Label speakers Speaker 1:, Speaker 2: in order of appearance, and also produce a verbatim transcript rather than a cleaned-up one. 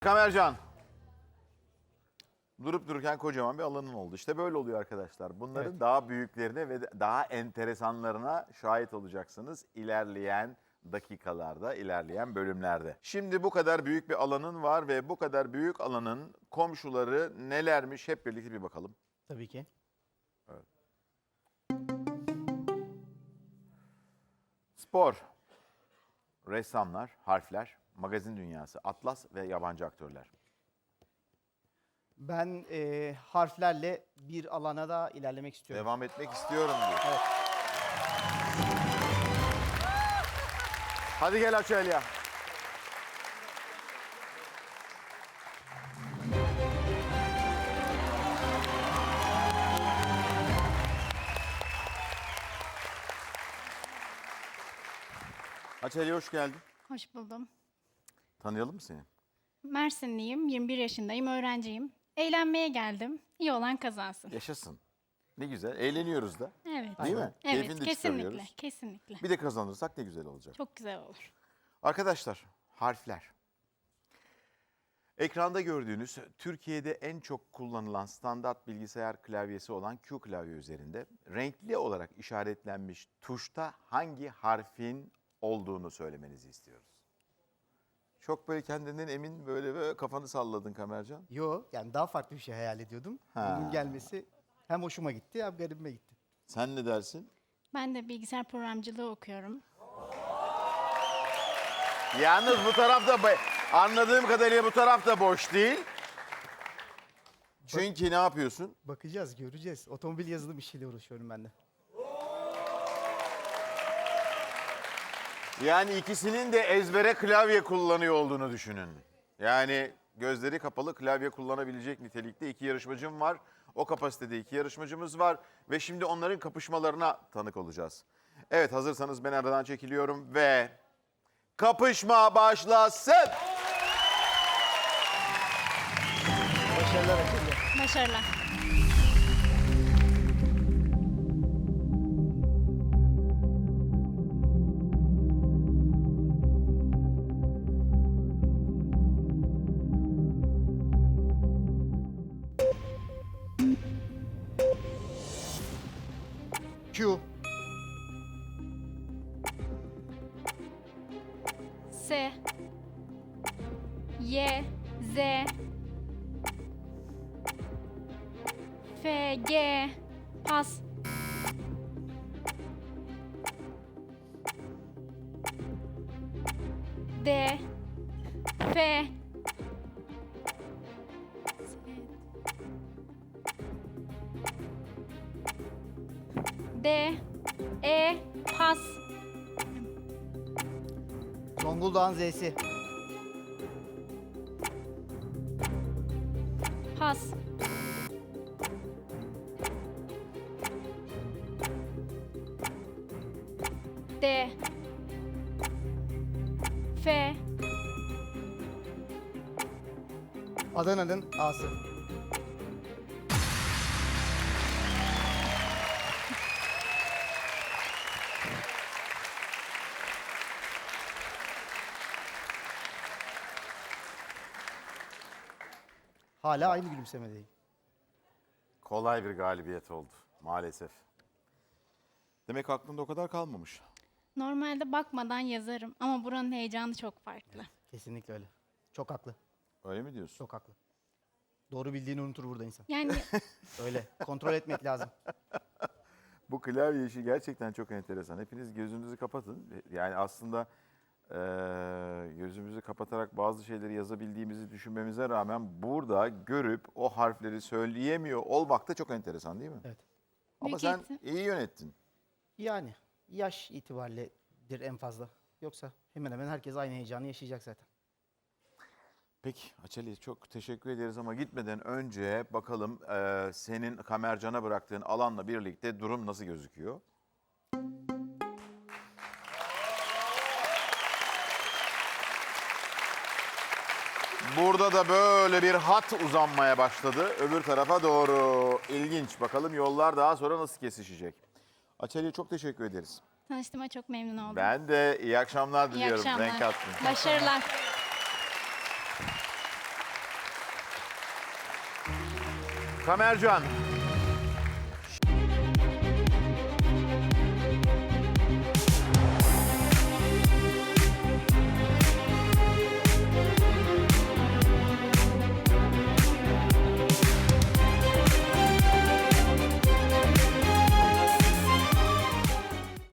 Speaker 1: Kamercan. Durup dururken kocaman bir alanın oldu. İşte böyle oluyor arkadaşlar. Bunların
Speaker 2: Evet. daha
Speaker 1: daha büyüklerine ve daha enteresanlarına şahit olacaksınız ilerleyen dakikalarda, ilerleyen bölümlerde. Şimdi bu kadar büyük bir alanın var ve bu kadar büyük alanın komşuları nelermiş hep birlikte bir bakalım.
Speaker 2: Tabii ki.
Speaker 1: Spor, ressamlar, harfler, magazin dünyası, atlas ve yabancı aktörler.
Speaker 2: Ben e, harflerle bir alana da ilerlemek istiyorum.
Speaker 1: Devam etmek istiyorum diyor.
Speaker 2: Evet.
Speaker 1: Hadi gel Açelya. Açelya hoş geldin.
Speaker 3: Hoş buldum.
Speaker 1: Tanıyalım mı seni?
Speaker 3: Mersinliyim, yirmi bir yaşındayım, öğrenciyim. Eğlenmeye geldim. İyi olan kazansın.
Speaker 1: Yaşasın. Ne güzel. Eğleniyoruz da.
Speaker 3: Evet.
Speaker 1: Değil mi?
Speaker 3: Evet,
Speaker 1: Keyfini de
Speaker 3: kesinlikle,
Speaker 1: çıkarıyoruz.
Speaker 3: kesinlikle.
Speaker 1: Bir de kazanırsak ne güzel olacak.
Speaker 3: Çok güzel olur.
Speaker 1: Arkadaşlar, harfler. Ekranda gördüğünüz Türkiye'de en çok kullanılan standart bilgisayar klavyesi olan Q klavye üzerinde renkli olarak işaretlenmiş tuşta hangi harfin olduğunu söylemenizi istiyoruz. Çok böyle kendinden emin böyle, böyle kafanı salladın Kamercan.
Speaker 2: Yo, yani daha farklı bir şey hayal ediyordum.
Speaker 1: Ha.
Speaker 2: Bunun gelmesi hem hoşuma gitti hem garibime gitti.
Speaker 1: Sen ne dersin?
Speaker 3: Ben de bilgisayar programcılığı okuyorum.
Speaker 1: Yalnız bu tarafta bo- anladığım kadarıyla bu tarafta boş değil. Çünkü ne yapıyorsun?
Speaker 2: Bakacağız, göreceğiz. Otomobil yazılım işiyle uğraşıyorum ben de.
Speaker 1: Yani ikisinin de ezbere klavye kullanıyor olduğunu düşünün. Yani gözleri kapalı klavye kullanabilecek nitelikte iki yarışmacım var. O kapasitede iki yarışmacımız var ve şimdi onların kapışmalarına tanık olacağız. Evet, hazırsanız ben aradan çekiliyorum ve kapışma başlasın.
Speaker 2: Başarılar Açelya.
Speaker 3: Başarılar.
Speaker 2: Q,
Speaker 3: S, Y, Z, F, G, pas, D, F, D, E, pas,
Speaker 2: Zonguldak'ın Z'si.
Speaker 3: pas, D, F,
Speaker 2: Adana'nın A'sı. Hala aynı gülümsemedeyim.
Speaker 1: Kolay bir galibiyet oldu maalesef. Demek aklında o kadar kalmamış.
Speaker 3: Normalde bakmadan yazarım ama buranın heyecanı çok farklı.
Speaker 2: Kesinlikle öyle. Çok haklı.
Speaker 1: Öyle mi diyorsun?
Speaker 2: Çok haklı. Doğru bildiğini unutur burada insan.
Speaker 3: Yani
Speaker 2: Öyle. Kontrol etmek lazım.
Speaker 1: Bu klavye işi gerçekten çok enteresan. Hepiniz gözünüzü kapatın. Yani aslında eee, gözümüzü kapatarak bazı şeyleri yazabildiğimizi düşünmemize rağmen burada görüp o harfleri söyleyemiyor olmak da çok enteresan değil mi?
Speaker 2: Evet.
Speaker 1: Ama
Speaker 3: Büyük
Speaker 1: sen
Speaker 3: eğitim.
Speaker 1: iyi yönettin.
Speaker 2: Yani yaş itibariyledir en fazla. Yoksa hemen hemen herkes aynı heyecanı yaşayacak zaten.
Speaker 1: Peki Açeli çok teşekkür ederiz ama gitmeden önce bakalım eee, senin Kamercan'a bıraktığın alanla birlikte durum nasıl gözüküyor? Burada da böyle bir hat uzanmaya başladı öbür tarafa doğru. İlginç. Bakalım yollar daha sonra nasıl kesişecek? Açeli'ye çok teşekkür ederiz.
Speaker 3: tanıştığıma çok memnun oldum.
Speaker 1: Ben de iyi akşamlar
Speaker 3: İyi
Speaker 1: diliyorum.
Speaker 3: akşamlar.
Speaker 1: Renk attın.
Speaker 3: Başarılar.
Speaker 1: Tamercan,